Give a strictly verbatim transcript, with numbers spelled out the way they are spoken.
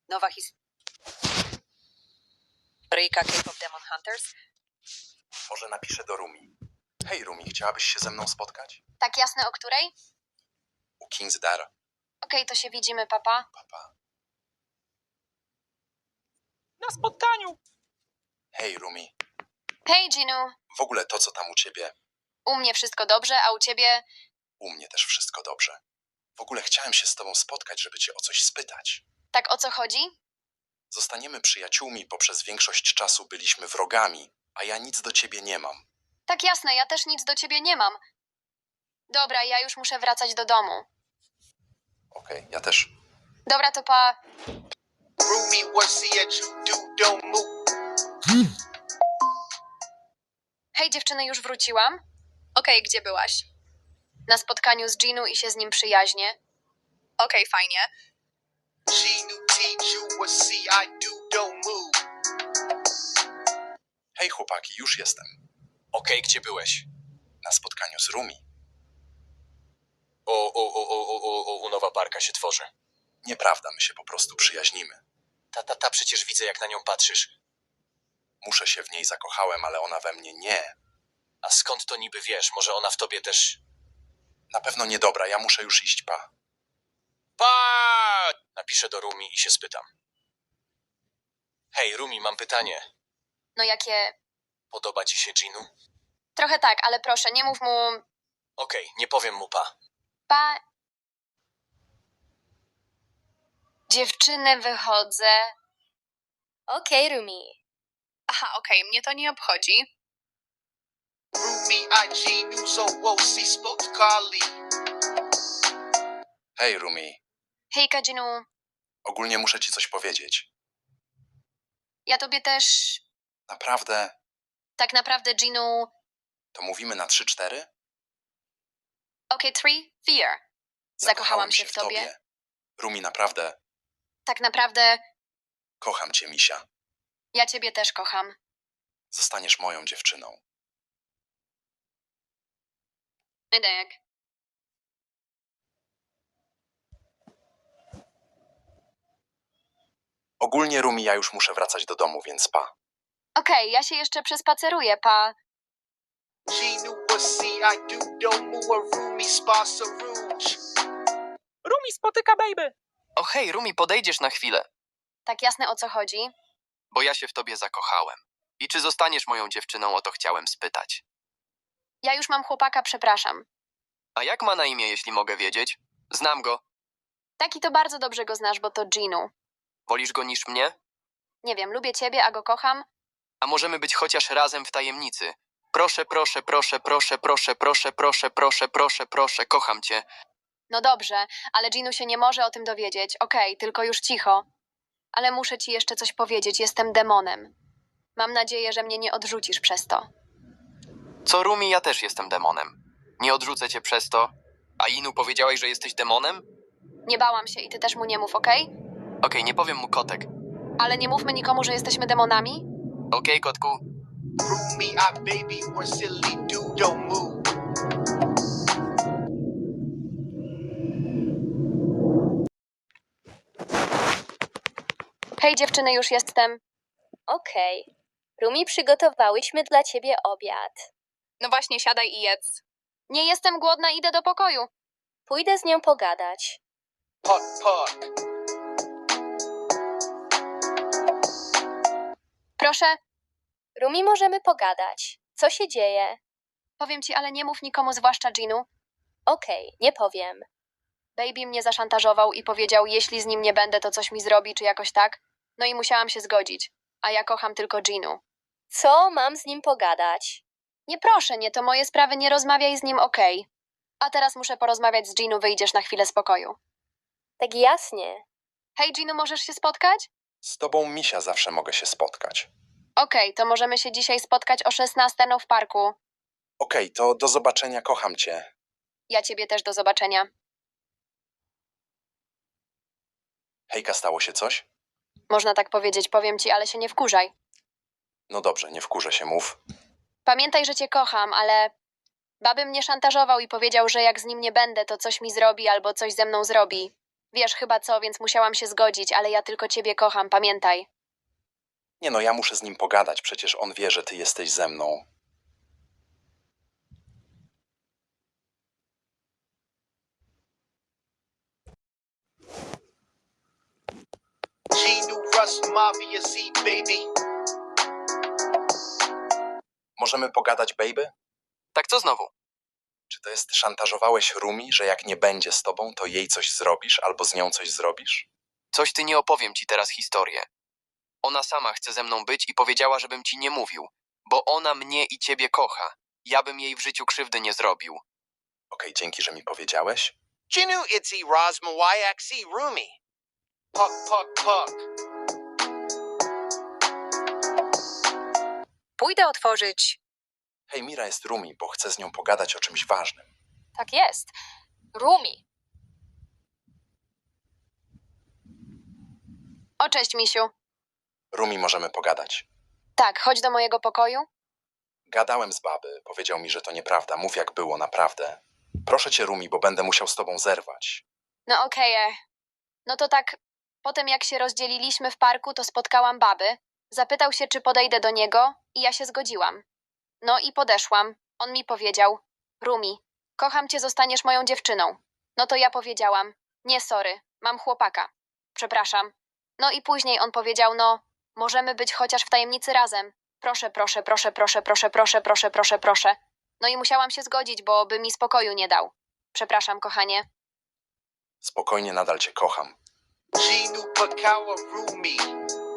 Nowa historyjka K-pop Demon Hunters. Może napiszę do Rumi. Hej Rumi, chciałabyś się ze mną spotkać? Tak jasne, o której? U King's Dar. Okej, to się widzimy, papa. Papa. Na spotkaniu! Hej Rumi. Hej, Ginu. W ogóle to, co tam u ciebie, U mnie wszystko dobrze, a u ciebie? u mnie też wszystko dobrze. W ogóle chciałem się z tobą spotkać, żeby cię o coś spytać. Tak o co chodzi? Zostaniemy przyjaciółmi, bo przez większość czasu byliśmy wrogami, a ja nic do ciebie nie mam. Tak jasne, ja też nic do ciebie nie mam. Dobra, ja już muszę wracać do domu. Okej, ja też. Dobra, to pa. Rumi, what's it you do? Don't move. Hej, dziewczyny, już wróciłam? Okej, gdzie byłaś? Na spotkaniu z Ginu i się z nim przyjaźnię. Okej, fajnie. Ginu teach you what see I do? Don't move. Hej chłopaki, już jestem. Okej, gdzie byłeś? Na spotkaniu z Rumi. O, o, o, o, o, o, o, u nowa parka się tworzy. Nieprawda, my się po prostu przyjaźnimy. Ta, ta, ta, przecież widzę, jak na nią patrzysz. Muszę się w niej zakochałem, ale ona we mnie nie. A skąd to niby wiesz? Może ona w tobie też... Na pewno niedobra, ja muszę już iść, pa. Pa! Napiszę do Rumi i się spytam. Hej, Rumi, mam pytanie. No jakie... Podoba ci się Ginu? Trochę tak, ale proszę, nie mów mu... Okej, nie powiem mu pa. Pa... Dziewczyny, wychodzę. Okej, Rumi. Aha, okej, mnie to nie obchodzi. Rumi, I Ginu, so whoa, see spoke to Carly. Hej Rumi, Hejka, Ginu. ogólnie muszę ci coś powiedzieć. Ja tobie też... Naprawdę, Tak naprawdę, Ginu... to mówimy na trzy cztery? Okej, three, fear. Zakochałam się w tobie. Rumi, naprawdę, Tak naprawdę, kocham cię, misia. ja ciebie też kocham. Zostaniesz moją dziewczyną. Edek. Ogólnie, Rumi, ja już muszę wracać do domu, więc pa. Okej, ja się jeszcze przespaceruję, pa. Ginu, what see I do? Don't move. A Rumi spots a rouge. Rumi spotyka baby! O hej, Rumi, podejdziesz na chwilę, Tak jasne, o co chodzi? bo ja się w tobie zakochałem. I czy zostaniesz moją dziewczyną, o to chciałem spytać. Ja już mam chłopaka, przepraszam. A jak ma na imię, jeśli mogę wiedzieć? Znam go. Taki to bardzo dobrze go znasz, bo to Ginu. Wolisz go niż mnie? Nie wiem, lubię ciebie, a go kocham. A możemy być chociaż razem w tajemnicy. Proszę, proszę, proszę, proszę, proszę, proszę, proszę, proszę, proszę, proszę, kocham cię. No dobrze, ale Ginu się nie może o tym dowiedzieć. Okej, tylko już cicho. Ale muszę ci jeszcze coś powiedzieć, jestem demonem. Mam nadzieję, że mnie nie odrzucisz przez to. Co, Rumi, ja też jestem demonem. Nie odrzucę cię przez to. A Inu, powiedziałeś, że jesteś demonem? Nie bałam się i ty też mu nie mów, okej? Okej, nie powiem mu kotek. Ale nie mówmy nikomu, że jesteśmy demonami? Okej, kotku? Rumi, I baby, what silly do? Don't move. Hej dziewczyny, już jestem. Okej. Rumi, przygotowałyśmy dla ciebie obiad. No właśnie, siadaj i jedz. Nie jestem głodna, idę do pokoju. Pójdę z nią pogadać. Park, park. Proszę, Rumi, możemy pogadać. Co się dzieje? powiem ci, ale nie mów nikomu, zwłaszcza Ginu. Okej, nie powiem. Baby mnie zaszantażował i powiedział, jeśli z nim nie będę, to coś mi zrobi, czy jakoś tak. No i musiałam się zgodzić. A ja kocham tylko Ginu. Co mam z nim pogadać? Nie proszę, nie, to moje sprawy, nie rozmawiaj z nim, okej. A teraz muszę porozmawiać z Ginu, wyjdziesz na chwilę spokoju. Tak jasnie. Hej Ginu, możesz się spotkać? Z tobą, misia, zawsze mogę się spotkać. Okej, to możemy się dzisiaj spotkać o szesnastej no w parku. Okej, to do zobaczenia, kocham cię. Ja ciebie też, do zobaczenia. Hejka, stało się coś? Można tak powiedzieć, powiem ci, ale się nie wkurzaj. No dobrze, nie wkurzę się, mów. Pamiętaj, że cię kocham, ale... Baby mnie szantażował i powiedział, że jak z nim nie będę, to coś mi zrobi albo coś ze mną zrobi. Wiesz chyba co, więc musiałam się zgodzić, ale ja tylko ciebie kocham, pamiętaj. Nie no, ja muszę z nim pogadać, przecież on wie, że ty jesteś ze mną. G New Russ Mafia Z, baby. Możemy pogadać, baby? Tak co znowu? Czy to jest szantażowałeś Rumi, że jak nie będzie z tobą, to jej coś zrobisz albo z nią coś zrobisz? Coś ty nie opowiem ci teraz historię. Ona sama chce ze mną być i powiedziała, żebym ci nie mówił, bo ona mnie i ciebie kocha. Ja bym jej w życiu krzywdy nie zrobił. Okej, dzięki, że mi powiedziałeś. Jinu Itzy Rosma Wayak Z Rumi. Puck, puck, puck. Pójdę otworzyć. Hej, Mira jest Rumi, bo chcę z nią pogadać o czymś ważnym. Tak jest. Rumi. O, cześć, misiu. Rumi, możemy pogadać. Tak, chodź do mojego pokoju. Gadałem z baby, powiedział mi, że to nieprawda. Mów jak było, naprawdę. Proszę cię, Rumi, bo będę musiał z tobą zerwać. No okej, e. No to tak, potem jak się rozdzieliliśmy w parku, to spotkałam baby. Zapytał się, czy podejdę do niego i ja się zgodziłam. No i podeszłam. On mi powiedział, Rumi, kocham cię, zostaniesz moją dziewczyną. No to ja powiedziałam, nie sorry, mam chłopaka. Przepraszam. No i później on powiedział, no, możemy być chociaż w tajemnicy razem. Proszę, proszę, proszę, proszę, proszę, proszę, proszę, proszę, proszę. No i musiałam się zgodzić, bo by mi spokoju nie dał. Przepraszam, kochanie. Spokojnie, nadal cię kocham. G New Pakawa Rumi.